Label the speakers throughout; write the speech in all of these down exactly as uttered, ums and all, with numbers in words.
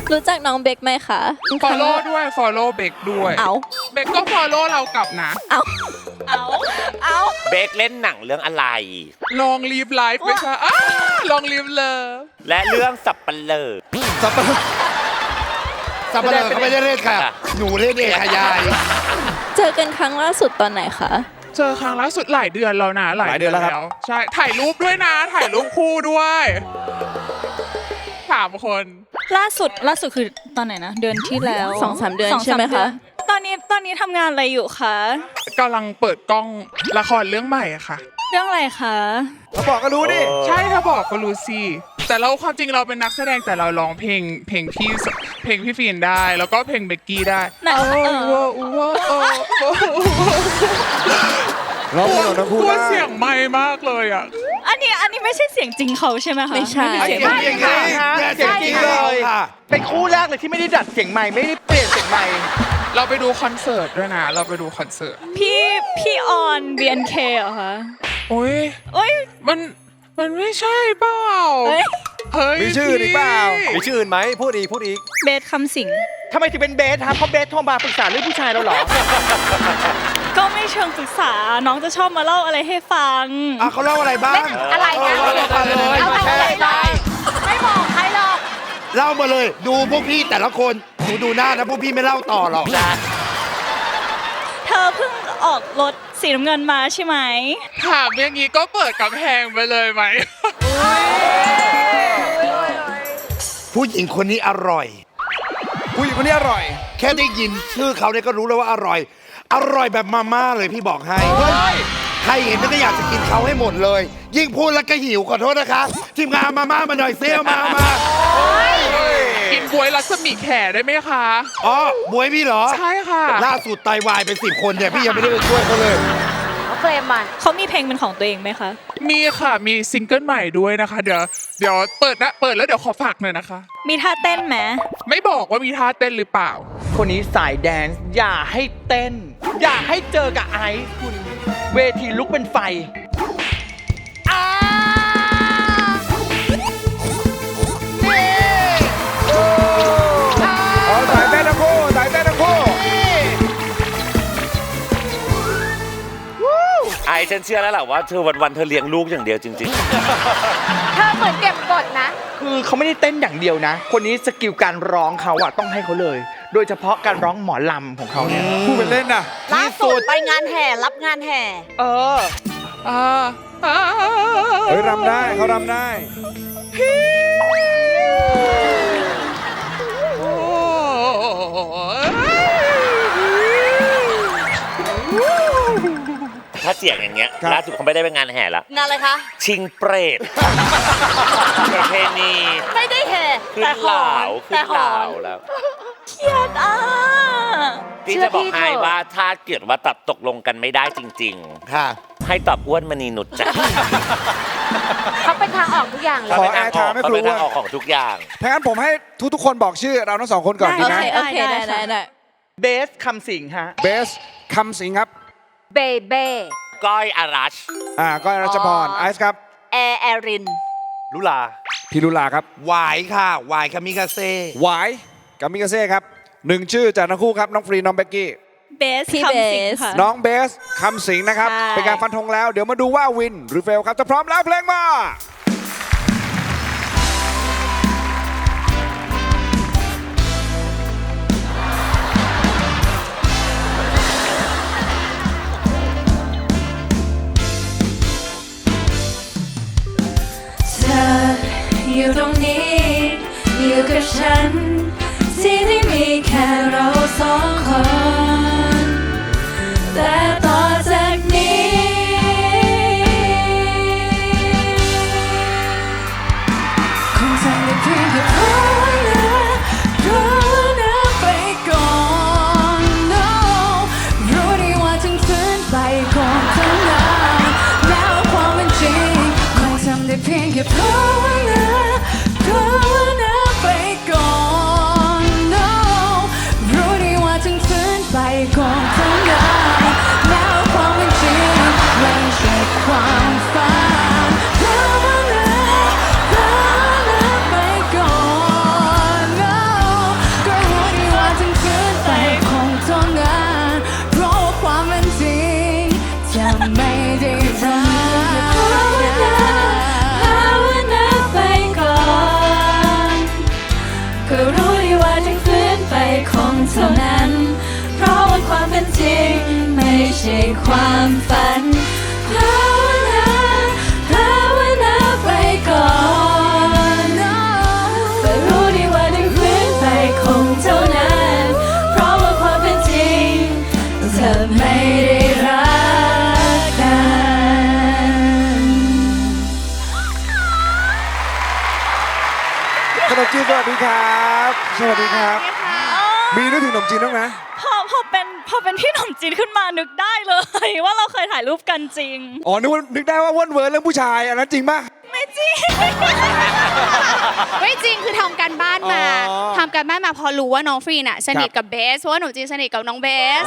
Speaker 1: รู้จักน้องเบคไหมคะ
Speaker 2: follow ด้วย follow เบคด้วย
Speaker 1: เอา
Speaker 2: เบคก็ follow เรากลับนะ
Speaker 1: เอาเอาเอา
Speaker 3: เบคเล่นหนังเรื่องอะไร
Speaker 2: ลองลีฟไลฟ์ไม่ใช่อ้าลองลีฟเลย
Speaker 3: และเรื่องสับปะเลอ
Speaker 4: สับปะเลอสับปะเลอเขาไม่ได้เล่นค่ะ หนูเล่นเองค่ะยาย
Speaker 1: เจอกันครั้งล่าสุดตอนไหนคะ
Speaker 2: เจอครั้งล่าสุดหลายเดือนแล้วนะ
Speaker 4: หลายเดือนแล้วครับ
Speaker 2: ใช่ถ่ายรูปด้วยนะ ถ่ายรูปคู่ด้วยสามคน
Speaker 5: ล่าสุดล่าสุดคือตอนไหนนะเดือนที่แล้ว
Speaker 1: สองสามเดือน
Speaker 5: สง
Speaker 1: ใช่ไหม
Speaker 5: ดื
Speaker 1: คะ
Speaker 5: นตอนนี้ตอนนี้ทำงานอะไรอยู่คะ
Speaker 2: กำลังเปิดกล้องละครเรื่องใหม่อะค่ะ
Speaker 5: เรื่องอะไรคะ
Speaker 4: เขาบอกก็รู้ดิ
Speaker 2: ใช่ถ้าบอกก็รู้สิแต่เราความจริงเราเป็นนักแสดงแต่เราร้องเพลงเพลงพี่เพลงพี่ฟีนได้ แล้วก็เพลงเบกกี้ได้
Speaker 5: ไหนเออ
Speaker 2: ว้าวว้าวว้าว
Speaker 4: ร้องเพลงของทั้งคู่
Speaker 2: กลัว
Speaker 4: ได้
Speaker 2: เสียงไม่มากเลยอ่ะ
Speaker 5: อันนี้อันนี้ไม่ใช่เสียงจริงเขาใช่ไหมคะ
Speaker 1: ไม่ใช่
Speaker 5: เสียง
Speaker 4: เสียงจริงค่ะเสียงจริงเลยค่ะ
Speaker 6: เป็นคู่แรกเลยที่ไม่ได้ดัดเสียงใหม่ไม่ได้เปลี่ยนเสียงใหม่
Speaker 2: เราไปดูคอนเสิร์ตด้วยนะ เราไปดูคอนเสิร์ต
Speaker 5: พี่พี่ออน บี เอ็น เค เหรอคะ
Speaker 2: โอ้ย
Speaker 5: โอ้ย
Speaker 2: มันมันไม่ใช่เปล่า
Speaker 5: เอ้ย
Speaker 2: เฮ้ย
Speaker 4: มีชื่ออีกเปล่า
Speaker 2: พี่
Speaker 4: มีชื่ออื่นไหมพูดอีกพูดอีก
Speaker 5: เบสคำสิง
Speaker 6: ทำไมถึงเป็นเบสครับเพราะเบสโทรมาปรึกษาเรื่องผู้ชายเราเหรอ
Speaker 5: ก็ไม่เชิงปรึกษาน้องจะชอบมาเล่าอะไรให้ฟัง
Speaker 4: อ่ะเขาเล่าอะไรบ้าง
Speaker 7: อะไรนะ
Speaker 4: เล่ามาเลย
Speaker 7: เอาไปเลยไม่บอกใครหรอก
Speaker 4: เล่ามาเลย ดูพวกพี่แต่ละคนหนูดูหน้านะพวกพี่ไม่เล่าต่อหรอก
Speaker 5: เธอเพิ่งออกรถสีน้ำเงินมาใช่ไหม
Speaker 2: ถามอย่างนี้ก็เปิดกำแพงไปเลยไหม
Speaker 4: ผู้หญิงคนนี้อร่อย ผู้หญิงคนนี้อร่อย แค่ได้ยินชื่อเขาเนี่ยก็รู้แล้วว่าอร่อย อร่อยแบบมาม่าเลยพี่บอกให้ใครเห็นก็อยากจะกินเขาให้หมดเลย ยิ่งพูดแล้วก็หิวขอโทษนะคะทีมงานมาม่ามาหน่อยเซลมามา
Speaker 2: กินบวยรัศมีแขได้ไหมคะ
Speaker 4: อ๋อบวยพี่เหรอ
Speaker 2: ใช่ค่ะ
Speaker 4: ล่าสุดไตวายไปสิบคนเนี่ยพี่ยังไม่ได้ไปช่วยเขาเลย
Speaker 7: เขาเฟรมมัน
Speaker 5: เขามีเพลงเป็นของตัวเองไหมคะ
Speaker 2: มีค่ะมีซิงเกิลใหม่ด้วยนะคะ เดี๋ยวเดี๋ยวเปิดนะเปิดแล้วเดี๋ยวขอฝากหน่อยนะคะ
Speaker 5: มีท่าเต้นไหม
Speaker 2: ไม่บอกว่ามีท่าเต้นหรือเปล่า
Speaker 6: คนนี้สายแดนซ์อย่าให้เต้น อย่าให้เจอกับไอซ์คุณเวทีลุกเป็นไฟอ้านี่อ้า
Speaker 4: อ๋อสายเต้นทั้งคู่สายเต้นทั้งคู่
Speaker 3: ไอฉันเชื่อแล้วแหละว่าเธอวันๆเธอเลี้ยงลูกอย่างเดียวจริง
Speaker 7: เธอเหมือนเก็บบทนะ
Speaker 6: คือเขาไม่ได้เต้นอย่างเดียวนะ คนนี้สกิลการร้องเขาอะต้องให้เขาเลย โดยเฉพาะการร้องหมอลำของเขาเนี่ย
Speaker 4: พูดเป็นเล่นนะ
Speaker 7: ล่าสุดไปงานแห่รับงานแห่
Speaker 6: เออ
Speaker 2: อ่าอ่า
Speaker 4: เฮ้ยรำได้เขารำได้
Speaker 2: โอ้ย
Speaker 3: ๆ ถ้าเสียงอย่างเงี้ย
Speaker 4: ครับ
Speaker 3: ล่าสุดเขาไม่ได้ไปงานแห่ละ
Speaker 7: งานอะไรคะ
Speaker 3: ชิงเปรตประเพณี
Speaker 7: ไม่ได้แห่
Speaker 3: ขึ้น
Speaker 7: แต่
Speaker 3: เห
Speaker 7: หอ
Speaker 3: ลาน ขึ้
Speaker 7: แต่
Speaker 3: น
Speaker 7: ห
Speaker 3: เห
Speaker 7: อ
Speaker 3: ลาน แล้ว
Speaker 5: เครียดอ่ะ
Speaker 3: พี่
Speaker 7: เชื่อ
Speaker 3: จะบอก
Speaker 7: พี่
Speaker 3: ให้
Speaker 7: เถอะ
Speaker 3: ว่าถ้าเกิดว่าตัดตกลงกันไม่ได้จริง
Speaker 4: ค่ะ
Speaker 3: ๆ ให้ตอบอ้วนมณีนุชจ้ะ
Speaker 7: เขาเป็นทางออกทุกอย่างเลย
Speaker 4: ขอ
Speaker 3: เป็นทางออก
Speaker 4: แอร์ไทม์ให้
Speaker 3: เขา
Speaker 4: ครู
Speaker 3: เป็นทางออกของทุกอย่าง
Speaker 4: ถ้างั้นผมให้ทุกๆคนบอกชื่อเราทั้งสองคนก่อนดี
Speaker 1: โอ
Speaker 4: ไหม
Speaker 1: เคโอเคได้ได้ได้
Speaker 6: เบสคำสิงฮะ
Speaker 4: เบสคำสิงครับ
Speaker 7: เบเบ้
Speaker 3: ก้อยอารัช
Speaker 4: อ่าก้อยรัชพรไอซ์ครับ
Speaker 7: แอร์แอริน
Speaker 3: ลุลา
Speaker 4: พิรุลาครับหวายค่ะหวายคามิกาเซ่หวายกามิกาเซ่ครับหนึ่งชื่อจากทั้งคู่ครับน้องฟรีน้องเบกกี้
Speaker 5: เบส
Speaker 1: พี่
Speaker 5: คำสิง
Speaker 1: เบส
Speaker 5: ค่ะ
Speaker 4: น้องเบสคำสิงนะครับ
Speaker 5: ใช่
Speaker 4: เป็นการฟันธงแล้ว เดี๋ยวมาดูว่าวินหรือเฟลครับจะพร้อมแล้วเพลงมา
Speaker 1: เธออยู่ตรงนี้อยู่กับฉันที่ที่มีแค่เราสองคนแต่ต่อจากนี้คงทำได้เพียงแค่ภาวนาภาวนาไปก่อน no รู้ดีว่าจึงฝืนไปก่อนเท่านั้นแล้วความเป็นจริงคงทำได้เพียงแค่ภาวนาภาวนาไปก่อน no รู้ดีว่าจึงฝืนไปก่อนเท่านั้นแล้วความเป็นจริงไม่ใช่ความฝันภาวนาภาวนาไปก่อน no ใช่ความฝันภาวนาภาวนาไปก่อนแต่รู้ดีว่าได้ฟื้นไปคงเท่านั้นเพราะว่าความเป็นจริงเธอไม่ได้รักกัน
Speaker 8: ขนมจีนสวัสดีครับ สวัสดีครับ มีนึกถึงขนมจีนบ้างไหม
Speaker 5: พอพอเป็นพอเป็นพี่หนุ่มจีนขึ้นมานึกได้เลย ว่าเราเคยถ่ายรูปกันจริง
Speaker 8: อ๋อ นึกว่านึกได้ว่าว่นเวิร์นเรื่องผู้ชาย อันนั้นจริงป่ะ
Speaker 5: ไม่จริง
Speaker 9: ไม่จริงคือทำการบ้านมา
Speaker 8: อ๋อ
Speaker 9: ทำการบ้านมาพอรู้ว่าน้องฟรีน่ะสนิทกับเบสเพราะว่าหนูจีนสนิทกับน้องเบส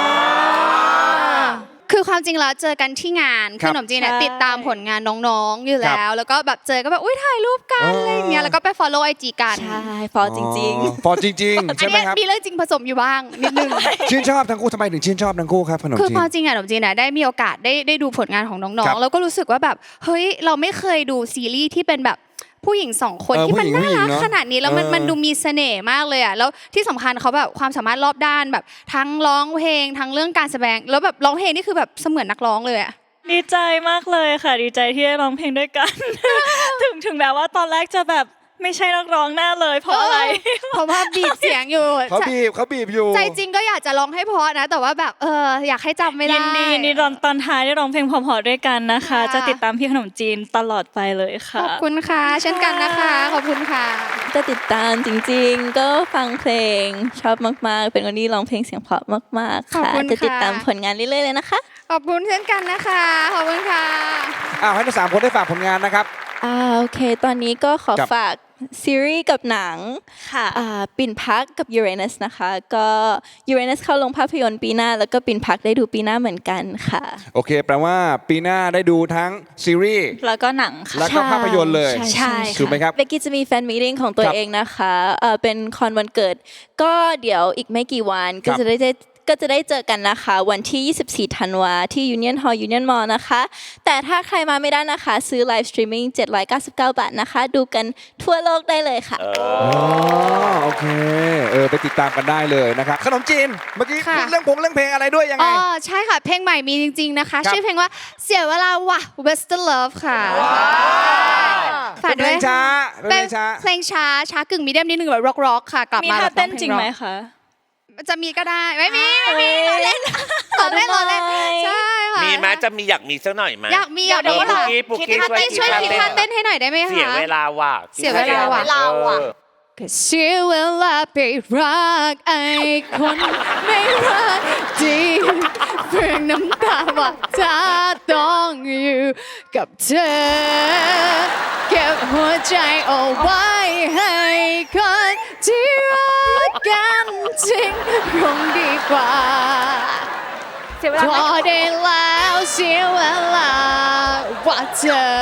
Speaker 9: คือความจริงแล้วเจอกันที่งาน
Speaker 8: ครั
Speaker 9: คื
Speaker 8: บ
Speaker 9: อหนมจีนเนี่ย
Speaker 5: ใช่
Speaker 9: ติดตามผลงานน้องๆอยู่
Speaker 8: ครับ
Speaker 9: แล้ว แล้วก็แบบเจอก็แบบอุ้ยถ่ายรูปกัน
Speaker 8: อ๋ออ
Speaker 9: อะไรอย่างเงี้ยแล้วก็ไป follow ไอจีกัน
Speaker 5: ใช่ฟอจริง
Speaker 8: อ๋อพอจริง ๆ
Speaker 9: อั
Speaker 8: ใช่
Speaker 9: น
Speaker 8: ไหม
Speaker 9: เนี้ย
Speaker 8: ครับ
Speaker 9: มีเรื่องจริงผสมอยู่บ้างนิดนึง
Speaker 8: ชื่นชอบทั้งคู่ทำไมถึงชื่นชอบทั้งคู่ครับขนม
Speaker 9: คือ
Speaker 8: จี
Speaker 9: พอน จริงอะหนมจีนอะได้มีโอกาสได้ได้ดูผลงานของน้
Speaker 8: ค
Speaker 9: อ
Speaker 8: รั
Speaker 9: ง
Speaker 8: บ
Speaker 9: ๆ แล้วก็รู้สึกว่าแบบเฮ้ยเราไม่เคยดูซีรีส์ที่เป็นแบบผู้หญิงสองคน
Speaker 8: เออ
Speaker 9: ที่มัน
Speaker 8: ผู้หญิง
Speaker 9: น่ารัก
Speaker 8: ผู้หญิงเนอะ
Speaker 9: ขนาดนี้แล้วมัน
Speaker 8: เออ
Speaker 9: มันดูมีเสน่ห์มากเลยอะแล้วที่สำคัญเขาแบบความสามารถรอบด้านแบบทั้งร้องเพลงทั้งเรื่องการแสดงแล้วแบบร้องเพลงนี่คือแบบเสมือนนักร้องเลยอะ
Speaker 5: ๆ ดีใจมากเลยค่ะ ดีใจที่ได้ร้องเพลงด้วยกัน ถึงถึงแม้ว่าตอนแรกจะแบบไม่ใช่นักร้องแน่เลยเพราะอะไร
Speaker 9: เพราะว่าบีบเสียงอยู่
Speaker 8: เขาบีบเขาบีบอยู่
Speaker 9: ใจจริงก็อยากจะร้องให้เพราะนะ แต่ว่าแบบเอออยากให้จำไม่ได้
Speaker 5: ยินดียินดีตอนตอนท้ายได้ร้องเพลงเพอๆด้วยกันนะคะ
Speaker 9: ค่ะ
Speaker 5: จะติดตามพี่ขนมจีนตลอดไปเลย
Speaker 9: ข
Speaker 5: ค่ะ
Speaker 9: อบคุณค่ะ เช่นกันนะคะ ขอบคุณค่ะ
Speaker 10: จะติดตามจริงๆ ก็ฟังเพลงชอบมากๆ เป็นคนที่ร้องเพลงเสียงเพราะมากๆ
Speaker 9: ขอบ
Speaker 10: ค่ะ
Speaker 9: คุณค่ะ
Speaker 10: จะติดตามผลงานเรื่อยๆเลยนะคะ
Speaker 9: ขอบคุณเช่นกันนะคะ ขอบคุณค่ะ
Speaker 8: อ้าวให้ทั้งสามคนได้ฝากผลงานนะครับ
Speaker 10: อ่าโอเค ตอนนี้ก็ขอ
Speaker 8: ครับ
Speaker 10: ฝากซีรีส์กับหนัง
Speaker 5: ค่ะ
Speaker 10: อ่าปิ่นพักกับยูเรนัสนะคะ ก็ยูเรนัสเข้าลงภาพยนตร์ปีหน้า แล้วก็ปิ่นพักได้ดูปีหน้าเหมือนกันค่ะ
Speaker 8: โอเค แปลว่าปีหน้าได้ดูทั้งซีรีส์
Speaker 5: แล้วก็หนังค่ะ
Speaker 8: แล้วก็ภาพยนตร์เลย
Speaker 10: ใช่
Speaker 8: ถูกไหมครับ
Speaker 10: เบกกี้จะมีแฟนมีตติ้งของตัว
Speaker 8: ครับ
Speaker 10: เองนะคะเอ่อเป็นคอนวันเกิด ก็เดี๋ยวอีกไม่กี่วัน
Speaker 8: ครั
Speaker 10: ก็
Speaker 8: บ
Speaker 10: จะได้ก็จะได้เจอกันนะคะ วันที่ ยี่สิบสี่ ธันวาที่ Union Hall Union Mall นะคะ แต่ถ้าใครมาไม่ได้นะคะ ซื้อไลฟ์สตรีมมิ่งเจ็ดร้อยเก้าสิบเก้า บาทนะคะ ดูกันทั่วโลกได้เลยค่ะ
Speaker 8: อ๋อโอเค เออไปติดตามกันได้เลยนะครับ ขนมจีน เมื่อกี้
Speaker 9: ค่ะ
Speaker 8: พูดเรื่องพงเรื่องเพลงอะไรด้วยยัง
Speaker 9: อ๋
Speaker 8: ไง
Speaker 9: อใช่ค่ะ เพลงใหม่มีจริง ๆ นะคะ
Speaker 8: ครับ
Speaker 9: ชื่อเพลงว่าเสียเวลาว่ะ Western Love ค่ะฝาก
Speaker 8: เป็นเพ
Speaker 9: ด้
Speaker 8: ล
Speaker 9: วย
Speaker 8: งช้าเป็นเพลงช้า
Speaker 9: เพลงช้าช้ากึ่งมีเดียมนิดนึงแบบร็อกๆค่ะ กลับ
Speaker 5: มี
Speaker 9: มา
Speaker 5: ท่า
Speaker 9: แบบ
Speaker 5: เต้นจริงไหม
Speaker 9: พล
Speaker 5: คะ
Speaker 9: จะมีก็ได้ ไม่มีไม่มีเราเล่นเราเล่นเราเล่นใช่ค่ะ
Speaker 3: มีไหมจะมีอยากมีสักหน่อยไหม
Speaker 9: อยากมีอยาก
Speaker 3: เอ
Speaker 9: มี
Speaker 3: อปุก
Speaker 9: ค่ะ
Speaker 3: กี้ปุก
Speaker 9: คิด
Speaker 3: กี้
Speaker 9: ท่าเต้นช่วยคิดท่าเต้นให้หน่อยได้ไหมคะ
Speaker 3: เสียเวลาว่ะ
Speaker 9: เสียเวลาว่ะ
Speaker 3: เสียเวลา
Speaker 1: ก็เสียเวลาไปรักไอ้คนไม่รักดีเพื่อน้ำตาว่าถ้าต้องอยู่กับเธอ เก็บหัวใจเอาไว้ให้คนที่รักกันจริงคงดีกว่า
Speaker 7: เสียเวลา
Speaker 1: พอได้แล้วเสียเวลาว่าเธอ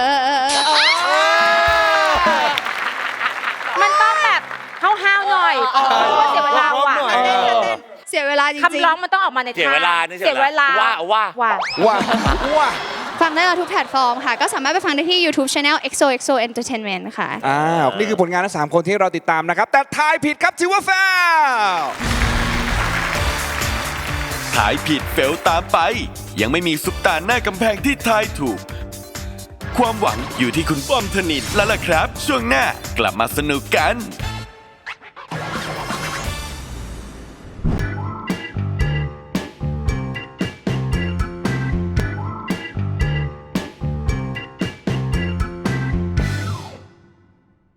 Speaker 7: มันต้องแบบห้าวๆหน่อยเพราะว่าเสียเวลาว่ะ
Speaker 3: เออ
Speaker 9: เสียเวลาจริง
Speaker 7: คำร้องมันต้องออกมาใน
Speaker 3: เสียเวลานี่
Speaker 7: เสียเวลา
Speaker 3: ว่าว่า
Speaker 7: ว่ะ
Speaker 8: ว้าว้า
Speaker 9: ๆ ฟังได้เราทุกแพลตฟอร์มค่ะ ก็สามารถไปฟังได้ที่ YouTube Channel เอ็กโซ เอ็กโซ Entertainment ค่ะ
Speaker 8: อ้าวนี่คือผลงานทั้งสามคนที่เราติดตามนะครับ แต่ทายผิดครับถือว่าแฟล
Speaker 11: ทายผิดเฟลตามไป ยังไม่มีซุปตาหน้ากำแพงที่ทายถูก ความหวังอยู่ที่คุณป้อมธนินแล้วล่ะครับ ช่วงหน้ากลับมาสนุกกัน